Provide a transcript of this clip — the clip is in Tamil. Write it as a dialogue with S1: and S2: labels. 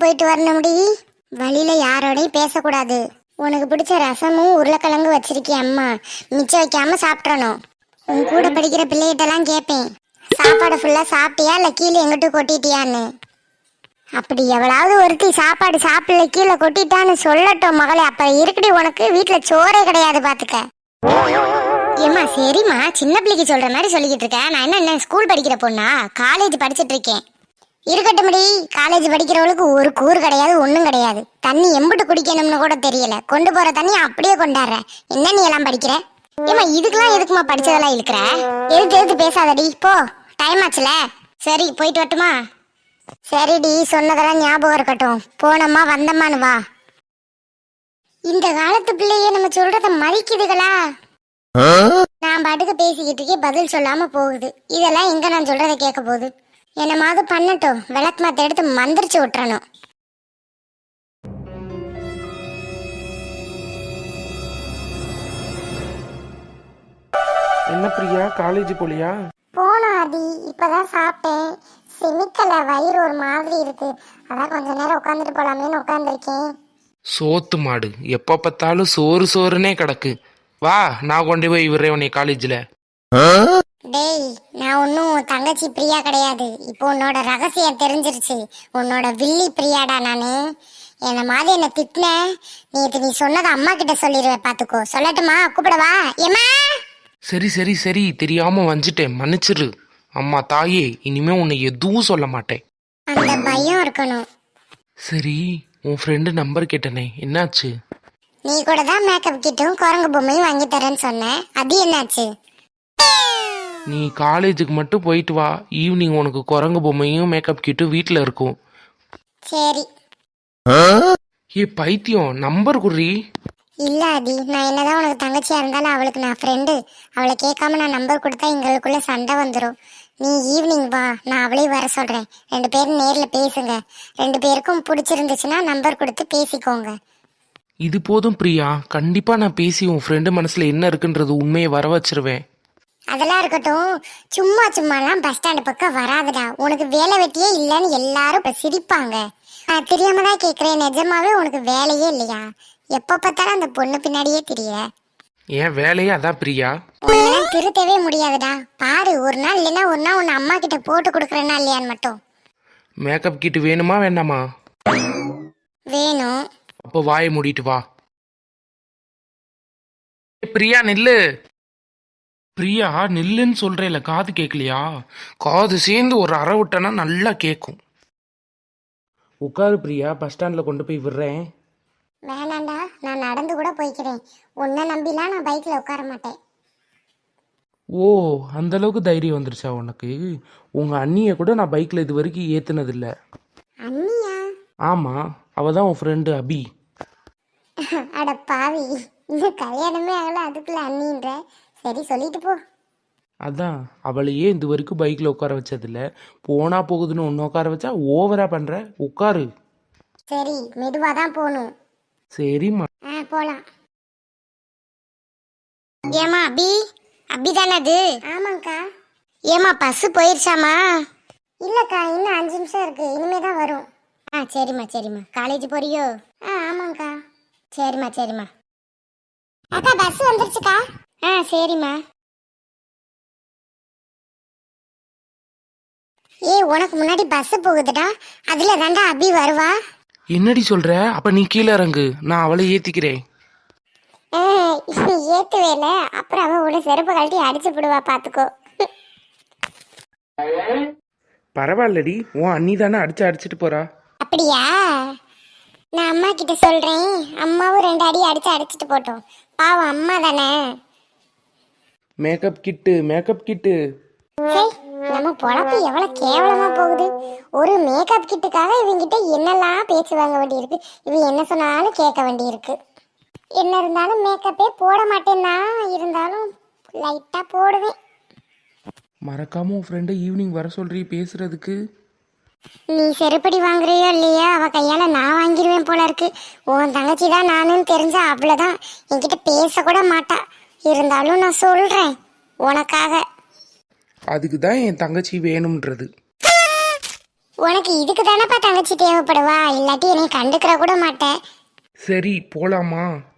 S1: போயிட்டு வரணும்டி. வழியில யாரோடையும் பேசக்கூடாது. உனக்கு பிடிச்ச ரசமும் உருளைக்கிழங்கு வச்சிருக்கேன் அம்மா, மிச்சம் வைக்காம சாப்பிட்றணும். உன் கூட படிக்கிற பிள்ளைகிட்டலாம் கேட்பேன், சாப்பாடு ஃபுல்லா சாப்பிட்டியா இல்லை கீழே எங்கிட்ட கொட்டிட்டியான்னு. அப்படி எவ்வளவு ஒருத்தி சாப்பாடு சாப்பிடல கீழே கொட்டிட்டான்னு சொல்லட்டும் மகளே, அப்ப இருக்குடி உனக்கு வீட்டுல சோறே கிடையாது பாத்துக்க. ஏமா சரிம்மா, சின்ன பிள்ளைக்கு சொல்ற மாதிரி சொல்லிக்கிட்டு இருக்கேன். நான் என்ன ஸ்கூல் படிக்கிற பொண்ணா? காலேஜ் படிச்சுட்டு இருக்கேன். இருக்கட்டும் முடி, காலேஜ் படிக்கிறவளுக்கு ஒரு கூறு கிடையாது, ஒன்றும் கிடையாது. தண்ணி எம்பிட்டு குடிக்கணும்னு கூட தெரியல, கொண்டு போற தண்ணி அப்படியே கொண்டாடுற. என்ன நீ எல்லாம் படிக்கிற? ஏமா இதுக்கெல்லாம் எதுக்குமா படிச்சதெல்லாம் இருக்கிற? எதுக்கு பேசாதடி, போ, டைம் ஆச்சுல. சரி போயிட்டு வரட்டுமா? சரிடி, சொன்னதெல்லாம் ஞாபகம் இருக்கட்டும். போனம்மா வந்தம்மான்னு வா. இந்த காலத்து பிள்ளையே நம்ம சொல்றத மதிக்குதுகளா? நான் பாட்டுக்கு பேசிக்கிட்டு இருக்கே, பதில் சொல்லாம போகுது. இதெல்லாம் எங்க நான் சொல்றத கேட்க போகுது? என்னமாவது பண்ணட்டும், விளக்கு மாத்த எடுத்து மந்திரிச்சு விட்டுறணும்.
S2: என்ன பிரியா, காலேஜ் போலியா?
S1: போனோம் அடி, இப்பதான் சாப்பிட்டேன். செமிக்கல, வயிறு ஒரு மாதிரி இருக்கு. அதான் கொஞ்ச நேரம் உட்காந்துட்டு போலாமேன்னு உட்காந்துருக்கேன்.
S2: சோத்து மாடு, எப்ப பார்த்தாலும் சோறு சோறுனே கிடக்கு. வா, நான் கொண்டு போய் விடுறேன் உன்னை காலேஜில்.
S1: டேய், நான் ஒன்னும் தங்கச்சி பிரியா கிடையாது. இப்போ உன்னோட ரகசியம் தெரிஞ்சிருச்சு. உன்னோட வில்லி பிரியாடா நானு. என்ன மாதிரி என்ன திட்டின, நேற்று நீ சொன்னதை அம்மா கிட்ட சொல்லிடுவேன் பாத்துக்கோ. சொல்லட்டுமா? கூப்பிடவா? ஏமா?
S2: சரி சரி சரி, தெரியாம வந்துட்டேன், மன்னிச்சிரு. அம்மா தாயே, இனிமே உன்னை எதுவும் சொல்ல மாட்டேன்.
S1: அந்த பயம் இருக்கணும்.
S2: சரி, உன் ஃப்ரெண்டு நம்பர் கேட்டனே, என்னாச்சு?
S1: நீ கூட தான் மேக்கப் கிட்டும் குரங்கு பொம்மையும் வாங்கி தரேன்னு சொன்னேன், அது என்னாச்சு?
S2: நீ காலேஜுக்கு மட்டும் போயிட்டு வா, ஈவினிங் உனக்கு குரங்கு பொம்மையும் மேக்கப் கிட்டும் வீட்டில் இருக்கும்.
S1: சரி.
S2: ஏ பைத்தியம், நம்பர் குர்ரி.
S1: இல்ல அடி, நான் என்னதான் உனக்கு தங்கச்சியா இருந்தாலும் அவளுக்கு நான் ஃப்ரெண்டு. அவளை கேட்காம நான் நம்பர் கொடுத்தா எங்களுக்குள்ள சண்டை வந்துடும். நீ ஈவினிங் வா, நான் அவளையும் வர சொல்றேன். 2 பேரும் நேர்ல பேசுங்க. 2 பேருக்கும் பிடிச்சிருந்துச்சுன்னா நம்பர் கொடுத்து பேசிக்கோங்க.
S2: இது போதும் பிரியா, கண்டிப்பா நான் பேசி உன் ஃப்ரெண்டு மனசுல என்ன இருக்குன்றது உண்மையை வர வச்சிருவேன்.
S1: அதெல்லாம் இருக்கட்டும், சும்மாலாம் பஸ் ஸ்டாண்டு பக்கம் வராதுடா. உனக்கு வேலை வெட்டியே இல்லைன்னு எல்லாரும் இப்ப சிரிப்பாங்க. நான் தெரியாம தான் கேட்குறேன், நிஜமாவே உனக்கு வேலையே இல்லையா? எப்ப பார்த்தாலும் அந்த பொண்ணு பின்னாடியே தெரியற.
S2: ஏன் வேலையே அதான் பிரியா.
S1: உன்னெல்லாம் திருத்தவே முடியாதுடா. பாரு, ஒரு நாள் இல்லைன்னா ஒரு நாள் உன்னை அம்மா கிட்ட போட்டு கொடுக்குறேன்னா இல்லையான்னு மட்டும்.
S2: மேக்கப் கிட் வேணுமா வேண்டாமா?
S1: வேணும்.
S2: அப்போ வாயை மூடிட்டு வா. பிரியா நில்லு. பிரியா நில்லுன்னு சொல்றேல, காது கேட்கலையா? காது சேர்ந்து ஒரு அரை விட்டனா நல்லா கேட்கும். உட்காரு பிரியா, பஸ் ஸ்டாண்ட்ல கொண்டு போய் விடுறேன்.
S1: வேணாண்டா, நான் நடந்து கூட போய்க்கிறேன். உன்னை நம்பிலாம் நான் பைக்ல உட்கார மாட்டேன்.
S2: ஓ, அந்த அளவுக்கு தைரியம் வந்துருச்சா உனக்கு? உங்க அண்ணிய கூட நான் பைக்ல இது வரைக்கும் ஏத்துனதில்ல.
S1: அண்ணியா?
S2: ஆமா, அவ தான் உன் ஃப்ரெண்டு அபி.
S1: அட பாவி, இன்னும் கல்யாணமே ஆகல, அதுக்குள்ள அண்ணின்ற. சரி, சொல்லிட்டு போ.
S2: அதான், அவளையே இது வரைக்கும் பைக்ல உட்கார வச்சதில்ல. போனா போகுதுன்னு ஒன்று உட்கார வச்சா ஓவரா பண்ற. உட்காரு.
S1: சரி, மெதுவா தான் போகணும்.
S2: சரிம்மா.
S1: போலாம். ஏமா அபி? அபி தானே அது? ஆமாங்கக்கா. ஏமா பஸ் போயிருச்சாமா? இல்லக்கா, இன்னும் 5 நிமிஷம் இருக்கு, இனிமே தான் வரும். சரிம்மா. காலேஜ் போறியோ? ஆமாங்கக்கா. சரிம்மா. அக்கா, பஸ் வந்துருச்சுக்கா. சரிம்மா. உனக்கு முன்னாடி பஸ் போகுதுடா, அதுல தாண்டா அபி வருவா.
S2: என்னடி சொல்ற? அப்ப நீ கீழே இறங்கு, நான் அவளை ஏத்திக்கிறேன்.
S1: ஏத்துவேல, அப்புறம் அவன் உன செருப்பு கழட்டி அடிச்சு போடுவா, பாத்துக்கோ.
S2: பரவாயில்லடி, உன் அண்ணி தானே அடிச்சுட்டு போறா.
S1: அப்படியா? நான் அம்மா கிட்ட சொல்றேன், அம்மாவும் 2 அடி அடிச்சுட்டு போட்டோம். பாவம் அம்மா தானே.
S2: Makeup kit.
S1: நம்ம பொழப்பு எவ்வளவு கேவலமா போகுது. ஒரு மேக்கப் கிட்டுக்காக இவங்கிட்ட என்னெல்லாம் பேச்சு வாங்க வேண்டி இருக்கு. இவ என்ன சொன்னாலும் கேட்க வேண்டி இருக்கு. என்ன இருந்தாலும் மேக்கப்பே போட மாட்டேன்னா, இருந்தாலும் லைட்டா போடுவேன்.
S2: மறக்காம உன் ஃப்ரெண்டை ஈவினிங் வர சொல்றீ பேசுறதுக்கு.
S1: நீ செருப்படி வாங்குறியோ இல்லையா, அவ கையால நான் வாங்கிடுவேன் போல இருக்கு. உன் தங்கச்சி தான் நானுன்னு தெரிஞ்சா அவ்வளவுதான், என்கிட்ட பேச கூட மாட்டா. இருந்தாலும் நான் சொல்றேன் உனக்காக.
S2: அதுக்கு தான் என் தங்கச்சி வேணும்ன்றது.
S1: உனக்கு இதுக்கு தானப்பா தங்கச்சி தேவைப்படுவா, இல்லாட்டி என்னை கண்டுக்கிற கூட மாட்டேன்.
S2: சரி போலாமா?